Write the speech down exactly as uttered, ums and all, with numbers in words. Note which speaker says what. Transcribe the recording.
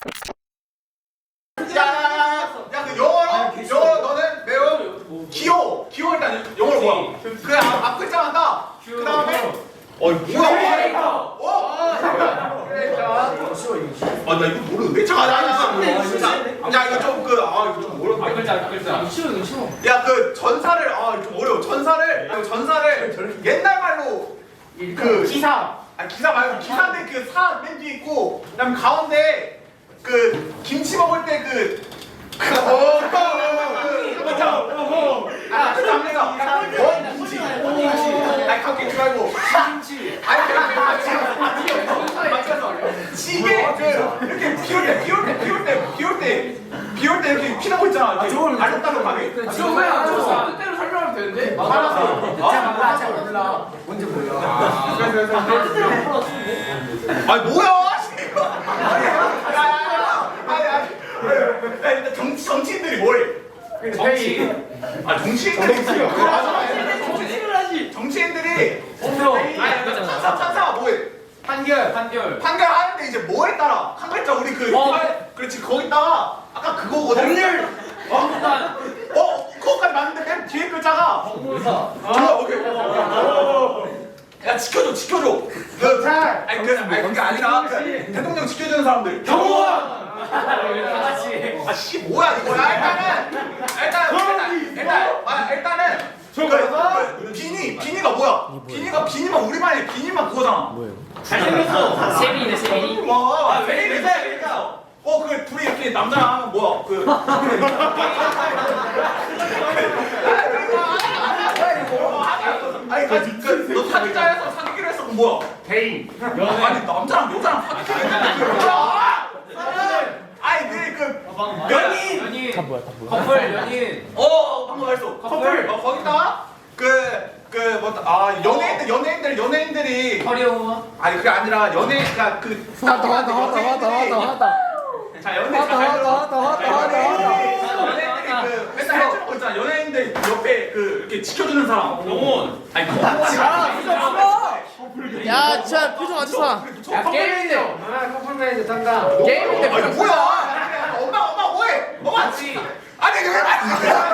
Speaker 1: 야야야야그 영어로 영어로 너는 매우 기호 기호 일단 영어로 뭐야? 그 앞 글자만 따. 그 다음에 어이 뭐야? 어? 아나 이거 모르는데? 잠깐 아니 야 이거 좀 그 아 이거 좀 어려운데.
Speaker 2: 앞 글자 앞 글자.
Speaker 3: 쉬워 이거 쉬워.
Speaker 1: 야 그 전사를 아 좀 어려워. 전사를 아, 전사를 옛날 말로 그
Speaker 3: 기사.
Speaker 1: 아니 기사 말고 기사인데 그 사 맨 뒤에 있고 그다음 가운데 그 김치 먹을 때그 그 어, 아, 그 남매가 원 김치. 아니 갑자기 말고 김치. 아니 그냥 맞춰서 지게 그 이렇게 비올 때 비올 때 비올 때 비올 때 비올 때 이렇게 피나고 있잖아. 알록달록하게.
Speaker 3: 지금 왜안 줬어? 뜻대로 설명하면 되는데.
Speaker 1: 알았어.
Speaker 3: 자 몰라 자 몰라. 뭔지 몰라. 뜻대로 몰라.
Speaker 1: 아니 뭐야? 야야야. 아니 아니. 야 일단 정치 정치인들이 뭐해?
Speaker 3: 정치.
Speaker 1: 아 정치인들이 그거 맞아.
Speaker 3: 정치를 하지.
Speaker 1: 정치인들이
Speaker 3: 공표.
Speaker 1: 아니 찬사 찬사 뭐해?
Speaker 3: 판결. 판결.
Speaker 1: 판결하는데 이제 뭐에 따라 한 글자 우리 그
Speaker 3: 어.
Speaker 1: 팔- 그렇지 거기다가 아까 그거거든.
Speaker 3: 법률.
Speaker 1: 어? 어 그거까지 맞는데 맨 뒤에 글자가
Speaker 3: 법무사.
Speaker 1: 어 오케이. 야 지켜줘 지켜줘. 그
Speaker 3: 잘.
Speaker 1: 아니 그 아니 그게 아니라 그 대통령 지켜주는 사람들.
Speaker 3: 경호원. 같이.
Speaker 1: 아씨 뭐야 이거야 일단은 일단 일단 일단 아 일단은 그, 그 비니 비니가 뭐야? 비니가 비니만 우리만의 비니만 그거잖아.
Speaker 3: 잘생겼어. 세빈이네 세빈이.
Speaker 1: 와, 왜 이래 왜 어, 그 둘이 이렇게 남자랑 하면 뭐야? 그 아니 그, 그, 너 사귀자에서 사귀기로 했어. 그럼 뭐야?
Speaker 3: 개인.
Speaker 1: 아니 남자랑 여자랑 사귀기로 했는데 그 뭐야? 아니 그, 그 연인.
Speaker 3: 연인. 다 뭐야 다 뭐야. 커플 연인.
Speaker 1: 어 방금 했어.
Speaker 3: 커플.
Speaker 1: 어 거기다가 그그뭐아 연예인들 연예인들 연예인들이
Speaker 3: 커리어.
Speaker 1: 아니 그게 아니라 연예 그러니까 그
Speaker 4: 하다 하다 하다 하다 하다 하다
Speaker 1: 자 연예
Speaker 4: 하다 하다 하다 하다 하다
Speaker 1: 연예인들이 그 맨날 해주는 거 있잖아. 연예인들 옆에 그 이렇게 지켜주는 사람. 영혼. 아니
Speaker 4: 야 진짜 표정 아주 좋아.
Speaker 3: 야 게임인데. 아 커플 매니저 tan다. 게임인데.
Speaker 1: 아니 뭐야? 엄마 엄마 뭐해? 엄마.
Speaker 3: 같이.
Speaker 1: 아니 그게 아니야.